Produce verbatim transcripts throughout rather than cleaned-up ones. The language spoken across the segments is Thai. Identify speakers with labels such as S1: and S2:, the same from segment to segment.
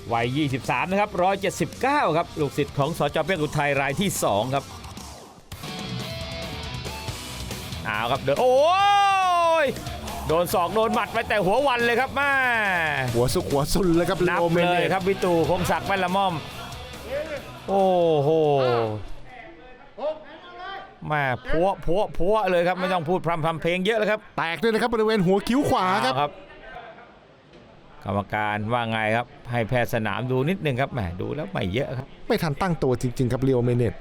S1: วัยยี่สิบสามนะครับหนึ่งร้อยเจ็ดสิบเก้าครับลูกศิษย์ของสจ.เปี๊ยกอุทัยรายที่สองครับเอาครับเดินโอ้ยโดนศอกโดนหมัดไปแต่หัววันเลยครับแม่
S2: หัวสุกหัวซุนเลยครับ
S1: นับเลยครับวิตูพงศักดิ์แม่ละม่อมโอ้โหแม่พัวพัวพัวเลยครับไม่ต้องพูดพร่ำทำเพลงเยอะเลยครับ
S2: แตกด้วยนะครับบริเวณหัวคิ้วขวาครับ
S1: กรรมการว่าไงครับให้แพทย์สนามดูนิดนึงครับแหมดูแล้วไม่เยอะครับ
S2: ไม่ทันตั้งตัวจริงๆครับลีโอเมเนต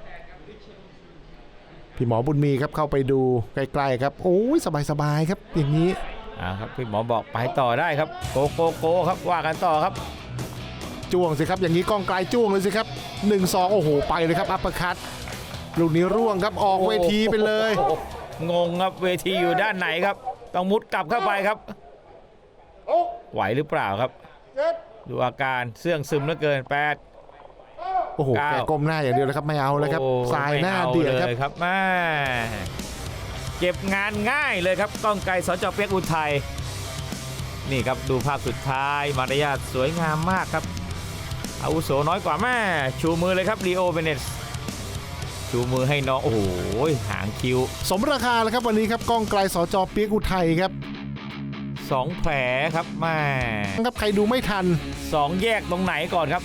S2: พี่หมอบุญมีครับเข้าไปดูใกล้ๆครับโอ้ยสบายๆครับอย่างนี้
S1: อ่าครับพี่หมอบอกไปต่อได้ครับโกโกโกครับว่ากันต่อครับ
S2: จ้วงสิครับอย่างนี้ก้องไกลจ้วงเลยสิครับหนึ่งสองโอ้โหไปเลยครับอัปเปอร์คัตลูกนี้ร่วงครับออกเวทีไปเลย
S1: งงครับเวทีอยู่ด้านไหนครับต้องมุดกลับเข้าไปครับไหวหรือเปล่าครับดูอาการเสื่องซึมเหลือเกินแปด
S2: โอ้โหแกก้มหน้าอย่างเดียวเลยครับไม่เอาเลยครับสายหน้าเดียวครับ
S1: ครับแม่เก็บงานง่ายเลยครับก้องไกรสจ.เปี๊ยกอุทัยนี่ครับดูภาพสุดท้ายมารยาทสวยงามมากครับอาวุโสน้อยกว่าแม่ชูมือเลยครับลีโอเบเนตชูมือให้น้องโอ้โหหางคิ้ว
S2: สมราคาแล้วครับวันนี้ครับก้องไกรสจ.เปี๊ยกอุทัยครับ
S1: สองแผลครับแม่
S2: ครับใครดูไม่ทัน
S1: สองแยกตรงไหนก่อนครับ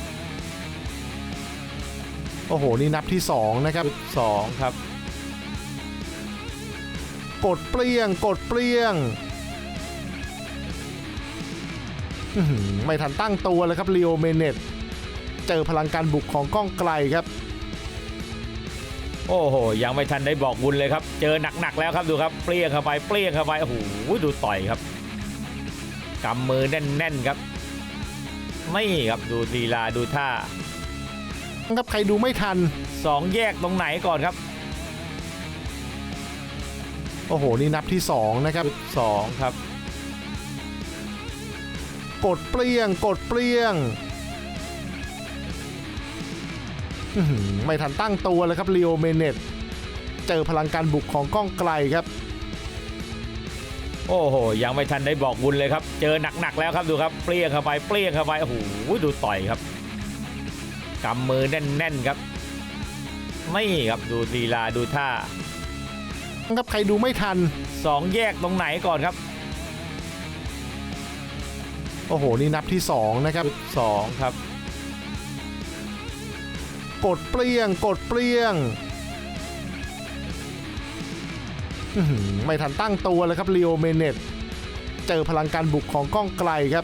S2: โอ้โหนี่นับที่สองนะครับ
S1: สองครับ
S2: กดเปรี้ยงกดเปรี้ยงไม่ทันตั้งตัวเลยครับลีโอเมเนตเจอพลังการบุกของก้องไกลครับ
S1: โอ้โหยังไม่ทันได้บอกบุญเลยครับเจอหนักๆแล้วครับดูครับเปรี้ยงเข้าไปเปรี้ยงเข้าไปโอ้โหดูต่อยครับกำมือแน่นๆครับไม่ครับดูลีลาดูท่า
S2: ครับใครดูไม่ทัน
S1: สองแยกตรงไหนก่อนครับ
S2: โอ้โหนี่นับที่สองนะครับ
S1: สองครับ
S2: กดเปรี้ยงกดเปรี้ยงไม่ทันตั้งตัวเลยครับลีโอเมเนตเจอพลังการบุกของก้องไกลครับ
S1: โอ้โหยังไม่ทันได้บอกบุญเลยครับเจอหนักๆแล้วครับดูครับเปรี้ยงเข้าไปเปรี้ยงเข้าไปโอ้โหดูต่อยครับกำมือแน่นๆครับไม่ครับดูลีลาดูท่า
S2: ครับใครดูไม่ทัน
S1: สองแยกตรงไหนก่อนครับ
S2: โอ้โหนี่นับที่สองนะครับ
S1: สองครับ
S2: กดเปรี้ยงกดเปรี้ยงไม่ทันตั้งตัวเลยครับลีโอเมเนตเจอพลังการบุกของก้องไกลครับ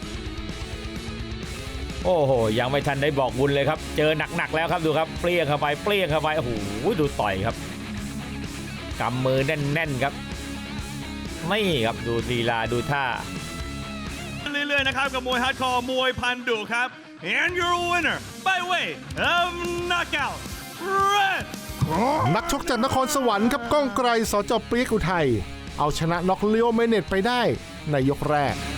S1: โอ้โหยังไม่ทันได้บอกบุญเลยครับเจอหนักๆแล้วครับดูครับเปรี้ยงเข้าไปเปรี้ยงเข้าไปโอ้โหดูต่อยครับกำมือแน่นๆครับไม่ครับดูลีลาดูท่า
S3: เรื่อยๆนะครับกับมวยฮาร์ดคอร์มวยพันดุครับ and your winner by way of knockout red
S2: นักชกจากนครสวรรค์ครับก้องไกรสจ.เปี๊ยกอุทัยเอาชนะน็อกลีโอเมเนตไปได้ในยกแรก